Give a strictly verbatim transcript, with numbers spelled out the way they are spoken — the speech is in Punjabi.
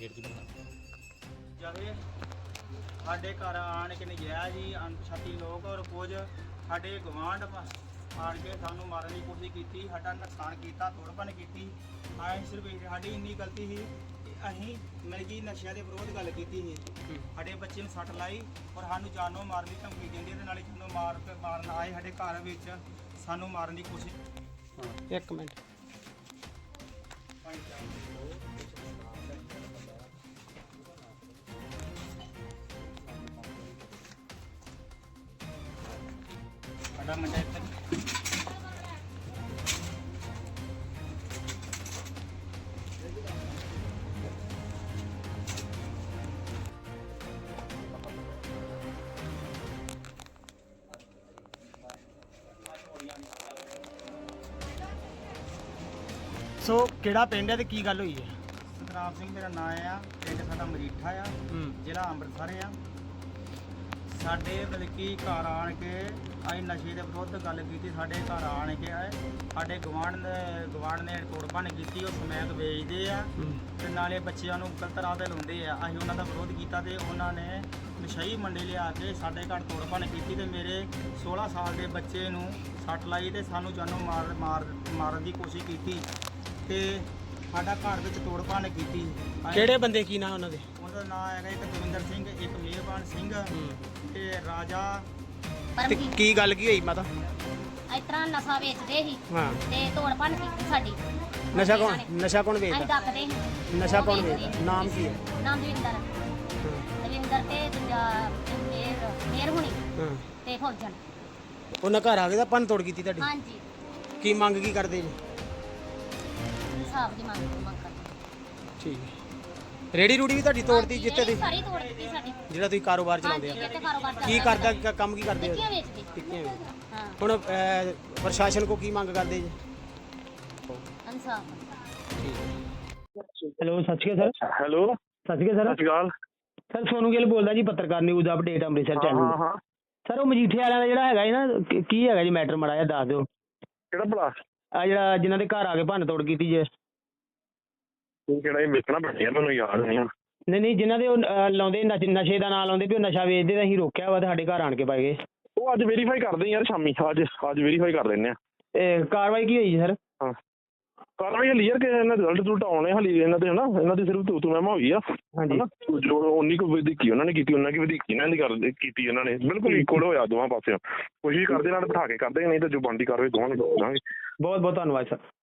ਵੀਰ ਜੀ ਬਣਾ ਜਾਵੇ ਸਾਡੇ ਘਰ ਆਣ ਕੇ ਨਜਾਇਜ਼ ਹੀ ਅਣਪਛਾਤੀ ਲੋਕ ਔਰ ਕੁਝ ਸਾਡੇ ਗਵਾਂਢ ਆਣ ਕੇ ਸਾਨੂੰ ਮਾਰਨ ਦੀ ਕੋਸ਼ਿਸ਼ ਕੀਤੀ, ਸਾਡਾ ਨੁਕਸਾਨ ਕੀਤਾ, ਤੋੜਪਨ ਕੀਤੀ। ਅਸੀਂ ਸਿਰਫ ਸਾਡੀ ਇੰਨੀ ਗਲਤੀ ਸੀ ਕਿ ਅਸੀਂ ਮਤਲਬ ਕਿ ਨਸ਼ਿਆਂ ਦੇ ਵਿਰੋਧ ਗੱਲ ਕੀਤੀ ਸੀ। ਸਾਡੇ ਬੱਚੇ ਨੂੰ ਸੱਟ ਲਾਈ ਔਰ ਸਾਨੂੰ ਜਾਨੋਂ ਮਾਰਨ ਦੀ ਧਮਕੀ ਦਿੰਦੇ ਤੇ ਨਾਲੇ ਜਾਨੋਂ ਮਾਰ ਕੇ ਮਾਰਨ ਆਏ ਸਾਡੇ ਘਰ ਵਿੱਚ ਸਾਨੂੰ ਮਾਰਨ ਦੀ ਕੋਸ਼ਿਸ਼। ਇੱਕ ਮਿੰਟ ਸਾਡਾ ਮੁੰਡਾ ਇੱਥੇ ਸੋ ਕਿਹੜਾ ਪਿੰਡ ਹੈ ਤੇ ਕੀ ਗੱਲ ਹੋਈ ਹੈ? ਸਤਨਾਮ ਸਿੰਘ ਮੇਰਾ ਨਾਂ ਆ, ਪਿੰਡ ਸਾਡਾ ਮਰੀਠਾ ਆ, ਜ਼ਿਲ੍ਹਾ ਅੰਮ੍ਰਿਤਸਰ ਆ। ਸਾਡੇ ਮਤਲਬ ਕਿ ਘਰ ਆਣ ਕੇ ਅਸੀਂ ਨਸ਼ੇ ਦੇ ਵਿਰੁੱਧ ਗੱਲ ਕੀਤੀ। ਸਾਡੇ ਘਰ ਆਣ ਕੇ ਆਏ, ਸਾਡੇ ਗਵਾਂਢ ਨੇ ਗਵਾਂਢ ਨੇ ਤੋੜਪਨ ਕੀਤੀ, ਉਹ ਸਮੈਕ ਵੇਚਦੇ ਆ ਤੇ ਨਾਲੇ ਬੱਚਿਆਂ ਨੂੰ ਗਲਤ ਰਾਹ ਤੇ ਲਾਉਂਦੇ ਆ। ਅਸੀਂ ਉਹਨਾਂ ਦਾ ਵਿਰੋਧ ਕੀਤਾ ਤੇ ਉਹਨਾਂ ਨੇ ਨਸ਼ਈ ਮੰਡੀ ਲਿਆ ਕੇ ਸਾਡੇ ਘਰ ਤੋੜਪਨ ਕੀਤੀ ਤੇ ਮੇਰੇ ਸੋਲਾਂ ਸਾਲ ਦੇ ਬੱਚੇ ਨੂੰ ਸੱਟ ਲਾਈ ਤੇ ਸਾਨੂੰ ਜਾਨੋਂ ਮਾਰ ਮਾਰ ਮਾਰਨ ਦੀ ਕੋਸ਼ਿਸ਼ ਕੀਤੀ ਤੇ ਸਾਡਾ ਘਰ ਵਿੱਚ ਤੋੜਪਨ ਕੀਤੀ। ਅਸੀਂ- ਕਿਹੜੇ ਬੰਦੇ ਕੀ ਨਾਂ ਉਹਨਾਂ ਦੇ? ਉਹਦਾ ਨਾਮ ਹੈਗਾ ਇੱਕ ਦਵਿੰਦਰ ਸਿੰਘ, ਇੱਕ ਮਿਹਰਬਾਨ ਸਿੰਘ ਤੇ ਰਾਜਾ। ਤੇ ਕੀ ਗੱਲ ਕੀ ਹੋਈ ਮਾਤਾ? ਇਸ ਤਰ੍ਹਾਂ ਨਸ਼ਾ ਵੇਚਦੇ ਸੀ ਹਾਂ, ਤੇ ਤੋੜ ਭੰਨ ਕੀਤੀ ਸਾਡੀ। ਨਸ਼ਾ ਕੌਣ ਨਸ਼ਾ ਕੌਣ ਅਸੀਂ ਵੇਚਦਾ? ਡੱਕਦੇ ਸੀ। ਨਸ਼ਾ ਉਹ ਕੌਣ ਵੇਚਦੇ ਵੇਚਦਾ? ਸੀ। ਨਾਮ ਕੀ ਹੈ? ਨਾਮ ਦਵਿੰਦਰ ਹਾਂ, ਦਵਿੰਦਰ ਤੇ ਦੂਜਾ ਮੇਰ ਮੇਰ ਹੁਣੀ ਹਾਂ। ਤੇ ਫੌਜਣ। ਉਹਨਾਂ ਘਰ ਆ ਕੇ ਤਾਂ ਭੰਨ ਤੋੜ ਕੀਤੀ ਤੁਹਾਡੀ? ਹਾਂਜੀ, ਕੀ ਮੰਗ ਕੀ ਕਰਦੇ ਜੀ? ਹਿਸਾਬ ਦੀ ਮੰਗ ਮੰਗ ਕਰਦੇ। ਠੀਕ ਹੈ। ਰੇੜੀ ਰੂੜੀ ਵੀ ਤੁਹਾਡੀ ਤੋੜਦੀ ਹਾਂਜੀ, ਜਿੱਥੇ ਇਹ ਤੁਸੀਂ ਸਾਰੀ ਤੋੜ ਦਿੱਤੀ ਸਾਡੀ। ਜਿਹੜਾ ਤੁਸੀਂ ਕਾਰੋਬਾਰ ਚਲਾਉਂਦੇ ਹਾਂਜੀ, ਆ? ਇੱਥੇ ਕਾਰੋਬਾਰ ਕੀ ਚੱਲਦਾ ਕਰਦਾ ਸਾਡਾ। ਕ- ਕੰਮ ਕੀ ਕਰਦੇ ਹੋ? ਟਿੱਕੀਆਂ ਵੇਚਦੇ। ਟਿੱਕੀਆਂ ਵੇਚਦੇ। ਹਾਂ, ਹੁਣ ਅਹ, ਪ੍ਰਸ਼ਾਸਨ ਕੋ ਕੀ ਮੰਗ ਕਰਦੇ ਜੀ? ਇਨਸਾਫ। ਹੈਲੋ, ਸਤਿ ਸ਼੍ਰੀ ਅਕਾਲ ਸਰ। ਹੈਲੋ, ਸਤਿ ਸ਼੍ਰੀ ਅਕਾਲ ਸਤਿ ਸ਼੍ਰੀ ਅਕਾਲ। ਸਰ ਸੋਨੂ ਗਿੱਲ ਬੋਲਦਾ ਜੀ, ਪੱਤਰਕਾਰ ਨਿਊਜ਼ ਅਪਡੇਟ ਅੰਮ੍ਰਿਤਸਰ ਹਾਂ ਚੈਨਲ। ਹਾਂ ਹਾਂ, ਸਰ ਉਹ ਮਜੀਠੇ ਵਾਲਿਆਂ ਦਾ ਜਿਹੜਾ ਹੈਗਾ ਜੀ ਨਾ, ਕੀ- ਕੀ ਹੈਗਾ ਜੀ ਮੈਟਰ, ਮਾੜਾ ਜਿਹਾ ਦੱਸ ਦਿਓ। ਕਿਹੜਾ ਭਲਾ? ਆ ਜਿਹੜਾ ਜਿਨ੍ਹਾਂ ਦੇ ਘਰ ਆ ਕੇ ਭੰਨ ਤੋੜ ਕੀਤੀ ਜੇ? ਤੂੰ ਕਿਹੜਾ ਇਹ ਵੇਖਣਾ ਬਣਿਆ, ਮੈਨੂੰ ਯਾਦ ਨਹੀਂ ਆ। ਨਹੀਂ ਨਹੀਂ, ਜਿਨ੍ਹਾਂ ਦੇ ਉਹ ਅਹ, ਲਾਉਂਦੇ ਨਸ਼- ਨਸ਼ੇ ਦਾ ਨਾਂ ਲਾਉਂਦੇ ਵੀ ਉਹ ਨਸ਼ਾ ਵੇਚਦੇ ਤਾਂ ਅਸੀਂ ਰੋਕਿਆ ਵਾ ਤੇ ਸਾਡੇ ਘਰ ਆਣ ਕੇ ਪਾਏ ਗਏ। ਉਹ ਅੱਜ ਵੈਰੀਫਾਈ ਕਰਦੇ ਯਾਰ, ਸ਼ਾਮੀ ਅੱਜ ਅੱਜ ਵੈਰੀਫਾਈ ਕਰ ਲੈਂਦੇ ਆ। ਤੇ ਕਾਰਵਾਈ ਕੀ ਹੋਈ ਜੀ ਸਰ? ਹਾਂ, ਕਾਰਵਾਈ ਹਲੀ ਯਾਰ ਕਿ ਇਹਨਾਂ ਦੇ ਰਿਜ਼ਲਟ ਰੂਲਟ ਆਉਣੇ ਹਲੀ, ਇਹਨਾਂ ਦੇ ਹਨਾ, ਇਹਨਾਂ ਦੀ ਸਿਰਫ ਤੂੰ ਤੂੰ ਮੈਂ ਹੋਈ ਆ। ਹਾਂਜੀ। ਹਨਾ, ਜੋ ਉਨੀ ਕੁ ਵਧੀਕੀ ਉਹਨਾਂ ਨੇ ਕੀਤੀ, ਉਹਨਾਂ ਕੀ ਵਧੀਕੀ ਇਹਨਾਂ ਦੀ ਕਰ ਕੀਤੀ। ਇਹਨਾਂ ਨੇ ਬਿਲਕੁਲ ਇਕੁਅਲ ਹੋਇਆ ਦੋਵਾਂ ਪਾਸਿਓਂ। ਕੋਸ਼ਿਸ਼ ਕਰਦੇ ਨਾਲ ਬਿਠਾ ਕੇ ਕਰਦੇ, ਨਹੀਂ ਤਾਂ ਜੋ ਬਣਦੀ ਕਾਰਵਾਈ ਦੋਵਾਂ ਨੂੰ ਕਰਾਂਗੇ। ਬਹੁਤ ਬਹੁਤ ਧੰਨਵਾਦ ਸਰ।